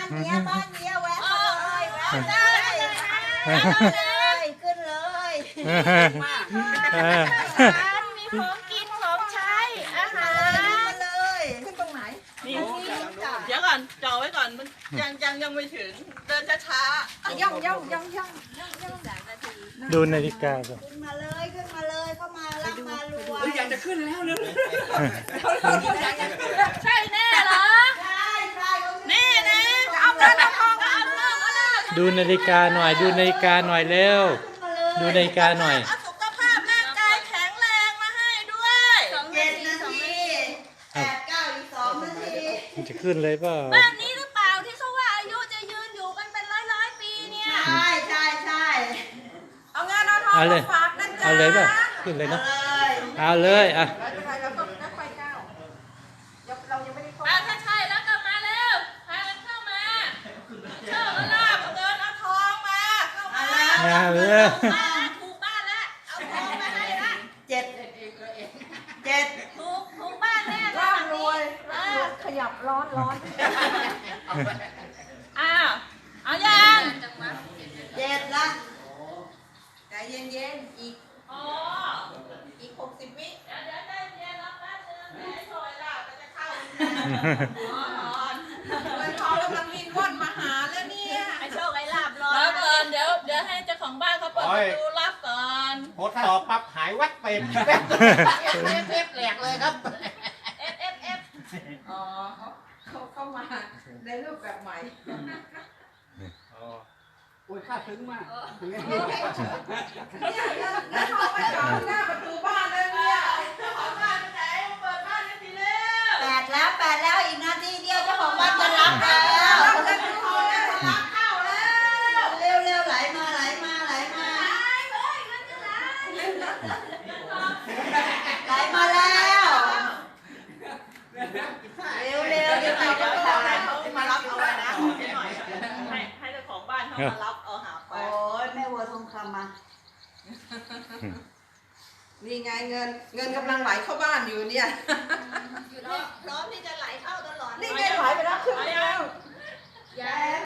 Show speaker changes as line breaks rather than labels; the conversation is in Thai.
านเนี้ยแวะเลยแวะเลยขึ้นเลย
มีของกินของใช้อาหาร
เลยขึ้นตรงไหน
นี่เดี๋ยวก่อนจ่อไว้ก่อนมันยังไม่ถึงเดินช้า
ย่อง
ดูนาฬิกาก่อน
ขึ้นมาเลยเข้ามารักมารัว
อยากจะขึ้นแล้วเร็ว
ใช่แน่เหรอ
ใช่
นี่นะเอาเงินเอาทองเอาเลิก
ดูนาฬิกาหน่อยดูนาฬิกาหน่อยเร็วดูนาฬิกาหน่อย
เอาสุขภาพร่างกายแข็งแรงมาให้ด้วย
7 นาที8 9อีก2 นาที
มันจะขึ้นเลยเปล่า
บ้านนี้หรือเปล่าที่เขาว่าอายุจะยืนอยู่กันเป็นร้อยปีเนี่ย
ใช่
เอาเงินเอาทอง
เอาเลย
มาฝากนะจ๊ะ
เอาเลยเปล่าขึ้นเลยเนาะ
เลย
เอาเลยอ่ะ
มาถ้าใช่แล้วก็มาเร็วพากันเข้ามาเชิญเอาลาบเอาเงินเอาทองมาเข้ามา
เอาเลย
ถูกบ้านแล้วเอาทองมาให้ละ
7
ถูกบ้านแน่ร่ำรวยขยับร้อนอ้าวเอายัง
7ละใจเย็นๆอีก
อ๋ออีก60 วิเดี๋ยวได้เย็นแล้วแป๊บนึงให้โชยลาบก็จะเข้าเงินทองกำลังวินว่อนมาหาแล้วเนี่ยให้โชคให้ลาบรอแล้วก่อนเดี๋ยวให้เจ้าของบ้านเขาเปิดประตูรับก่อน
ๆพดต่อปั๊บหายวัดเป็นแหลกเลยครับ
F
อ๋อเขาเข้ามาในรูปแบบใหม่
โอ้ยข้าถึงมากถึง
แล้วเขาไปจอดหน้าประตูบ้านเลยเนี่ย
เจ้าของบ้านไปไหนเปิดบ้านให้ทีเร็ว
8แล้วอีกนาทีเดียวเจ้าของบ้านจะรับแล้ว เร็วไหลมาไหลมาไหลมาแล้วเร็วเดี๋ยวเราจะเข้าแล้ว
มารับเอาไว้นะให้เจ้าของบ้านเขามารับเอาหาไป
โอ้ยแม่วัวทองคำมา
นี่ไงเงินกำลังไหลเข้าบ้านอยู่เนี่ย
พร้อมที่จะไหลเข้าตลอด
นี่ไงไหลไปแล้วครึ่งแล้ว